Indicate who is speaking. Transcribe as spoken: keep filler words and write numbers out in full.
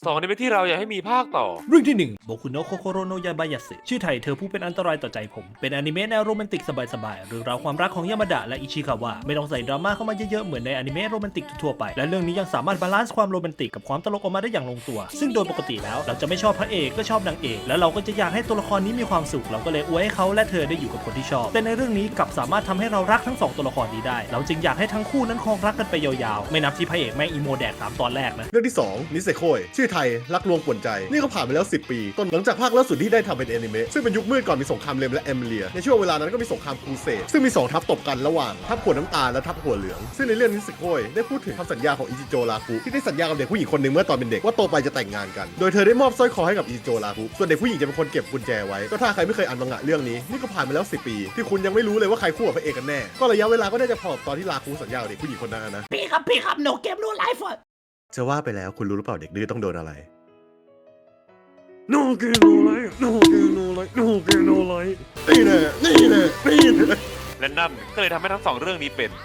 Speaker 1: สองอนิเมะที่เราอยากให้มีภาคต่อ
Speaker 2: เรื่องที่หนึ่งโบคุโนะโคโคโรโนะยาบายาสึชื่อไทยเธอผู้เป็นอันตรายต่อใจผมเป็นอนิเมะแนวโรแมนติกสบายๆเรื่องราวความรักของยามาดะและอิชิคาวะไม่ต้องใส่ดราม่าเข้ามาเยอะๆเหมือนในอนิเมะโรแมนติกทั่วไปและเรื่องนี้ยังสามารถบาลานซ์ความโรแมนติกกับความตลกออกมาได้อย่างลงตัวซึ่งโดยปกติแล้วเราจะไม่ชอบพระเอกก็ชอบนางเอกแล้วเราก็จะอยากให้ตัวละครนี้มีความสุขเราก็เลยอวยให้เขาและเธอได้อยู่กับคนที่ชอบแต่ในเรื่องนี้กลับสามารถทำให้เรารักทั้งสองตัวละครนี้ได้เราจึงอยากให้ทั้งคู่นั้นครองรักกันไปยาวๆไม่นับที่พระเอกแม่งอีโมแดกตามตอนแรกนะ
Speaker 3: เรื่องที่สองนิเซโคยชื่อไทยรักลวงป่วนใจนี่ก็ผ่านไปแล้วสิบปีต้นหลังจากภาคล่าสุดที่ได้ทำเป็นแอนิเมะซึ่งเป็นยุคมืดก่อนมีสงครามเลมและแอมเลียในช่วงเวลานั้นก็มีสงครามครูเสดซึ่งมีสองทัพตบกันระหว่างทัพหัวน้ำตาลและทัพหัวเหลืองซึ่งในเรื่องนิเซโคยได้พูดถึงคำสัญญาของอิจิโจราคุที่ได้สัญญากับเด็กผู้หญิงคนหนึ่งเมื่อตอนเป็นเด็กว่าโตไปจะแต่งงานกันโดยเธอได้มอบสร้อยคอให้กับอิจิโจราคุส่วนเด็กผู้หญิงจะเป็นคนเก็บกุญแจไว้ก็ถ้าใครไม่เคยอ่านมังงะเรื่องนี้นี่ก็ผ่านมาแล้วสิบปีที่คุณยังไม่รู้เลยว่าใครคู่กับพระเอกกันแน่ก็ระยะเวลาก็น่าจะพอกับตอนที่ราคุสัญญากับเด็กผู้หญิงคนนั้นนะ
Speaker 2: พี่ครับพี่ครับ no game no life
Speaker 3: จะว่าไปแล้วคุณรู้หรือเปล่าเด็กดื้อต้องโดนอะไร
Speaker 1: No game no life No game no life No game no life
Speaker 3: นี่แน่นี่แน่นี่แน่
Speaker 1: และนั่นก็เลยทำให้ทั้งสองเรื่องนี้เป็น